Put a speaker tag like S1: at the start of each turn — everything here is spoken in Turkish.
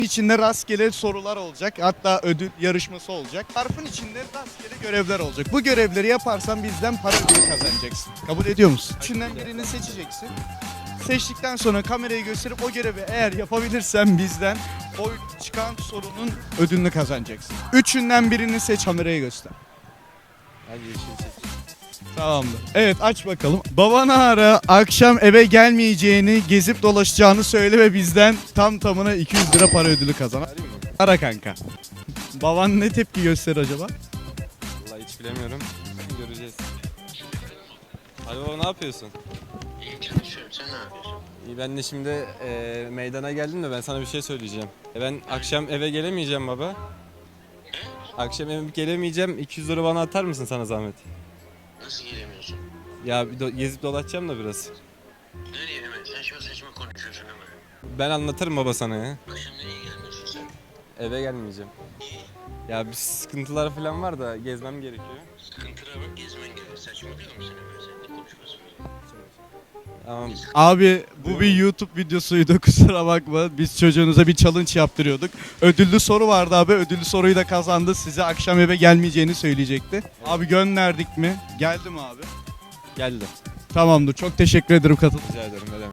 S1: İçinde rastgele sorular olacak. Hatta ödül yarışması olacak. Zarfın içinde rastgele görevler olacak. Bu görevleri yaparsan bizden para ödülü kazanacaksın. Kabul ediyor musun? Üçünden birini seçeceksin. Seçtikten sonra kamerayı gösterip o görevi eğer yapabilirsen bizden o çıkan sorunun ödülünü kazanacaksın. Üçünden birini seç, kamerayı göster.
S2: Hadi yeşil.
S1: Tamamdır. Evet, aç bakalım. Babana ara, akşam eve gelmeyeceğini, gezip dolaşacağını söyle ve bizden tam tamına 200 lira para ödülü kazan. Ara kanka. Baban ne tepki gösterir acaba?
S2: Vallahi hiç bilemiyorum. Göreceğiz. Alo baba, ne yapıyorsun?
S3: İyi çalışıyorum. Sen ne yapıyorsun?
S2: İyi, ben de şimdi meydana geldim de ben sana bir şey söyleyeceğim. Ben akşam eve gelemeyeceğim baba. Akşam eve gelemeyeceğim. 200 lira bana atar mısın sana zahmet?
S3: Nasıl gelemiyorsun?
S2: Ya gezip dolaşacağım da biraz.
S3: Nereye hemen? Saçma saçma konuşuyorsun ama.
S2: Ben anlatırım baba sana ya.
S3: Akşam nereye gelmiyorsun sen?
S2: Eve gelmeyeceğim. Ya bir sıkıntılar falan var da gezmem gerekiyor.
S3: Sıkıntılar var, gezmen gerekiyor. Saçmalıyor musun hemen sen? Ne konuşmasın?
S2: Tamam.
S1: Abi bu bir YouTube videosuydu, kusura bakma. Biz çocuğunuza bir challenge yaptırıyorduk. Ödüllü soru vardı abi. Ödüllü soruyu da kazandı. Size akşam eve gelmeyeceğini söyleyecekti. Abi gönderdik mi? Geldi mi abi?
S2: Geldi.
S1: Tamamdır. Çok teşekkür ederim katıldığınız için.
S2: Rica ederim. Ne demek.